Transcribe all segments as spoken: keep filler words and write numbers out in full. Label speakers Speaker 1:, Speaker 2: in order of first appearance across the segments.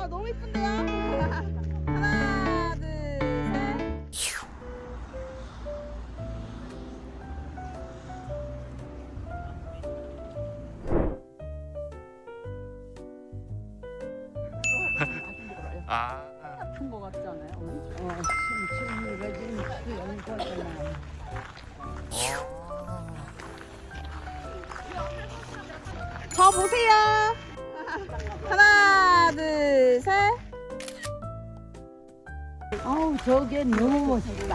Speaker 1: 아 너무 이쁜데요? 하나, 둘, 셋.
Speaker 2: 아.
Speaker 1: 아픈 거 같지 않아요?
Speaker 3: 어, 심층이가 지금 연거잖아.
Speaker 1: 저 보세요. 하나, 둘, 셋.
Speaker 3: 아우, 저게 너무 멋있다.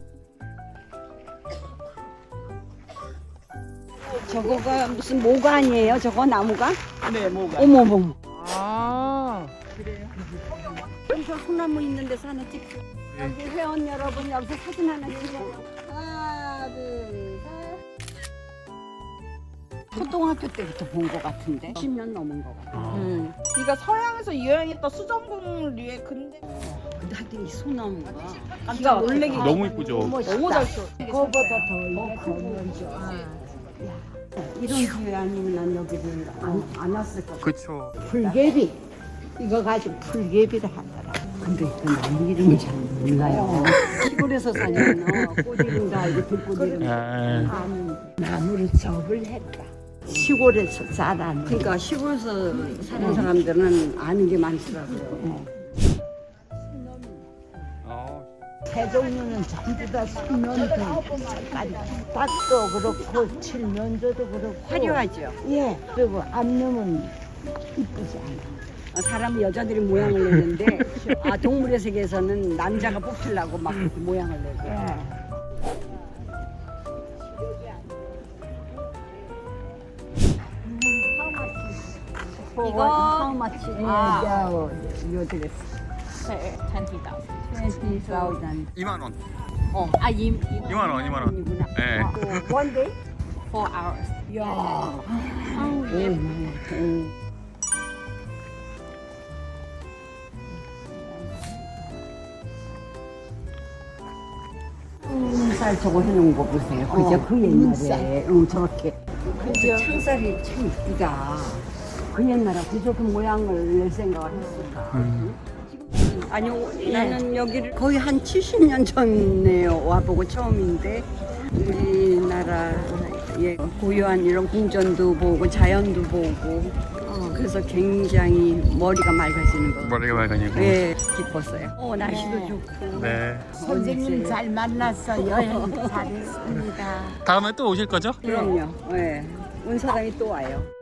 Speaker 3: 저거가 무슨 모가 아니에요? 저거 나무가?
Speaker 1: 네, 뭐가?
Speaker 3: 어머머.
Speaker 1: 아,
Speaker 3: 여기서 소나무 있는데 사는 집. 여기 회원 여러분 여기서 사진 하나 찍어요.
Speaker 1: 하나, 둘, 셋.
Speaker 3: 초등학교 때부터 본 것 같은데. 십 년 넘은 것 같아.
Speaker 1: 음. 이가 서양에서 유행했던 수정공류의 근대.
Speaker 3: 근데 하여튼 이 소나무가
Speaker 1: 깜짝 놀래기
Speaker 2: 너무 이쁘죠?
Speaker 1: 너무 잘 써.
Speaker 3: 그거보다 더 이게 더 먼저. 이런 기회 아니면 난 여기를 안, 안 왔을 것 같아.
Speaker 2: 그쵸.
Speaker 3: 풀개비. 이거 가지고 풀개비를 하더라. 근데 그 나무 이름을 잘 몰라요. 시골에서 살면 꽃 이름도 알고 들꽃 이름도
Speaker 2: 아.
Speaker 3: 아는 나무를 접을 했다. 시골에서 자란. 그러니까 시골에서 사는 사람들은 아는 게 많더라고요.
Speaker 2: 어.
Speaker 3: 새 종류는 전부 다 수면도 색깔이 밭도 그렇고 칠면조도 그렇고 화려하죠. 예. 그리고 앞놈은 이쁘지 않아. 사람 여자들이 모양을 내는데 아 동물의 세계에서는 남자가 뽑히려고 막 모양을 내고. 예. 이거 how much? 아, 요 드레스.
Speaker 1: twenty thousand.
Speaker 3: twenty thousand.
Speaker 2: 이만 원.
Speaker 1: 어, 아, 이, 이
Speaker 2: 이만 원, 이만 원.
Speaker 3: 이구나.
Speaker 2: 네.
Speaker 3: 아, one day?
Speaker 1: four hours.
Speaker 3: 야.
Speaker 1: 아우, 예.
Speaker 3: 음. 쌀 저거 해놓은 거 보세요. 그죠? 그 옛날에. 응, 저렇게. 그죠? 창살이 참 이쁘다. 그 옛날에 저렇게 모양을 낼 생각을 했을까.
Speaker 2: 음.
Speaker 3: 아니요, 나는 여기를 거의 한 칠십 년 전에 와보고 처음인데 우리나라의 고유한 이런 궁전도 보고 자연도 보고 어, 그래서 굉장히 머리가 맑아지는 거.
Speaker 2: 머리가 맑으니까.
Speaker 3: 예, 기뻤어요. 어, 날씨도 좋고.
Speaker 2: 네.
Speaker 3: 선생님 잘 만났어. 여행 잘했습니다.
Speaker 2: 다음에 또 오실 거죠?
Speaker 3: 그럼요. 예. 온 사람이 또 와요.